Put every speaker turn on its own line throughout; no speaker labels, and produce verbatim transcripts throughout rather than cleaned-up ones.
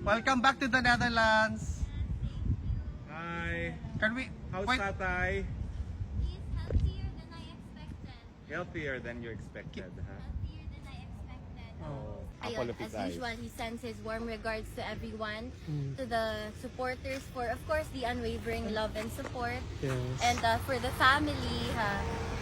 Welcome back to the Netherlands.
Hi.
Can we...
How's
wait,
Tatay?
He's healthier than I expected.
Healthier than you expected, huh?
Healthier than I expected.
Oh,
Ayun,
apple of his
as
eyes.
usual, he sends his warm regards to everyone, to the supporters for, of course, the unwavering love and support.
Yes.
And uh, for the family, uh,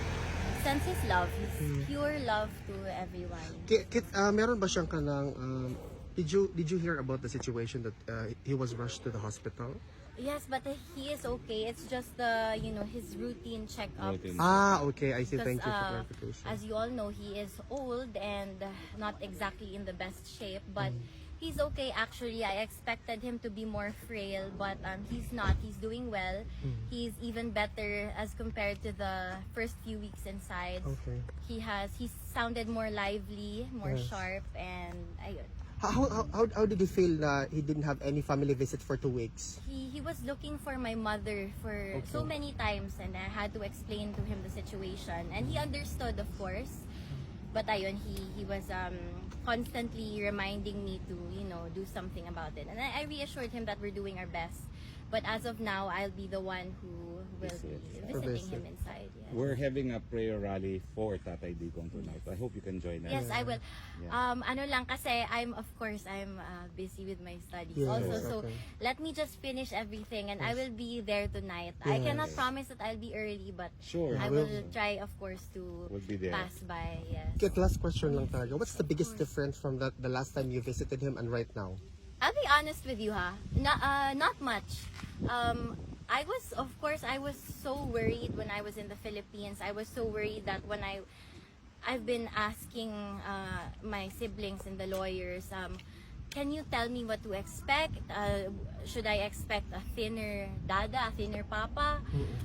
sends his love, his pure love to everyone.
Kit, Kit, uh, meron ba siyang kanang... Um, did you did you hear about the situation that uh, he was rushed to the hospital?
Yes, but uh, he is okay. It's just the, you know, his routine checkups.
Routine.
Ah, okay. I see.
Because,
Thank you for
uh,
clarification.
as you all know, he is old and uh, not exactly in the best shape, but he's okay actually. I expected him to be more frail, but um, he's not. He's doing well. He's even better as compared to the first few weeks inside.
Okay.
He has, he sounded more lively, more
Yes.
sharp, and ayun.
How, how, how, how did he feel na he didn't have any family visit for two weeks?
He, he was looking for my mother for so many times, and I had to explain to him the situation, and he understood, of course. But ayun, he he was um constantly reminding me to, you know, do something about it, and I, I reassured him that we're doing our best. But as of now, I'll be the one who will be
Visit.
visiting
visit.
him inside. Yes.
We're having a prayer rally for Tatay Digong tonight. I hope you can join us.
Yes, I will.
Yeah.
Um, ano lang kasi I'm of course I'm uh, busy with my studies
Yes,
also. So
okay.
let me just finish everything and I will be there tonight. I
Yes.
cannot promise that I'll be early, but
Sure.
I
will.
will try, of course, to
We'll be there.
pass by. Yes.
Kit, last question lang talaga. What's the biggest difference from that the last time you visited him and right now?
I'll be honest with you, ha. Not, uh, not much. Um, I was, of course, I was so worried when I was in the Philippines. I was so worried that when I, I've been asking uh, my siblings and the lawyers, um, can you tell me what to expect? Uh, should I expect a thinner dada, a thinner papa?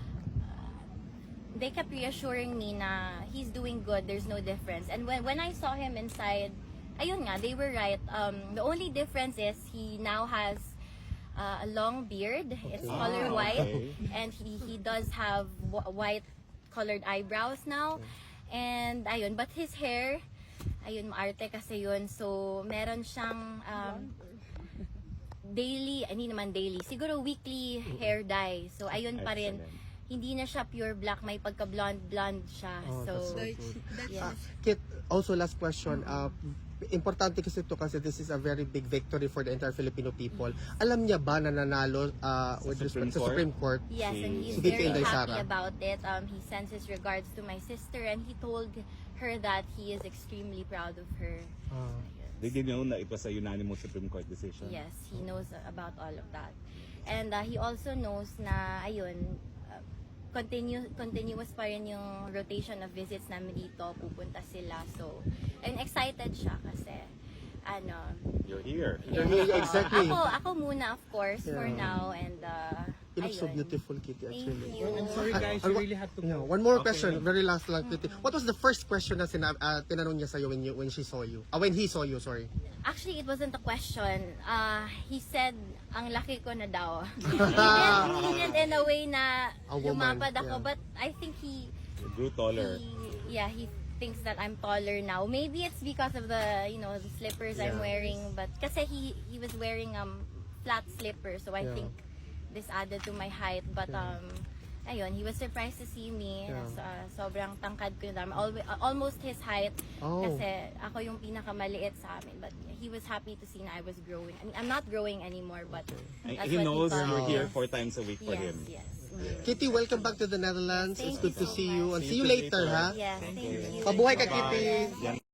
They kept reassuring me na he's doing good, there's no difference. And when, when I saw him inside, ayun nga, they were right. Um, the only difference is he now has uh, a long beard. It's color
Ah,
white.
okay.
And he, he does have w- white colored eyebrows now. And ayun, but his hair, ayun, maarte kasi yun. So, meron siyang um, daily, hindi naman daily, siguro weekly hair dye. So, ayun pa rin.
Excellent.
Hindi na siya pure black, may pagka-blonde-blonde siya.
Oh,
so,
that's so good.
yes.
Ah, Kit, also last question. Uh, importante kasi ito kasi this is a very big victory for the entire Filipino people. Alam niya ba na nanalo uh, with
Supreme
respect sa
Court?
Supreme Court?
Yes, and he's
Si Vicky
very
Inday
happy
Sara.
about it. Um, he sends his regards to my sister, and he told her that he is extremely proud of her.
Ah.
Did you know na it was a unanimous Supreme Court decision?
Yes, he knows about all of that. And uh, he also knows na, ayun, uh, continue, continuous pa rin yung rotation of visits namin dito. Pupunta sila. So, and excited siya kasi, ano,
You're here.
yes.
Yeah, exactly.
Ako, ako muna, of course, for
Yeah.
now. And, uh,
You look so
ayun.
beautiful, Kitty,
Thank
actually.
you.
I'm sorry guys,
Ah,
you
ah,
really had to
Yeah,
go.
one more
Okay.
question, very last lang, Kitty. What was the first question na sina- uh, tinanong niya sa'yo when, you, when she saw you? Ah, when he saw you, sorry.
Actually, it wasn't a question. Uh, he said, ang laki ko na daw. he, did, he did in a way na
A woman,
lumapad ako.
yeah.
But I think he,
You grew taller.
he, yeah, he thinks that I'm taller now. Maybe it's because of the, you know, the slippers I'm
Yeah.
wearing. But kasi he, he was wearing um flat slippers. So I
Yeah.
think this added to my height. But um, ayun, he was surprised to see me.
Yeah.
So, uh, sobrang tangkad ko na. Always, almost his height.
Oh.
Kasi ako yung pinakamaliit sa amin. But he was happy to see na I was growing. I mean, I'm not growing anymore, but
And
that's
he
what
knows
thought.
you're here
Yes.
four times a week for
Yes,
him.
yes. Mm.
Kitty, welcome back to the Netherlands.
Thank
It's good
you
to
so
see you.
much.
And
See
see
you
you later,
later.
ha?
Yes, thank you.
Pabuhay ka,
Bye-bye.
Kitty.
Yan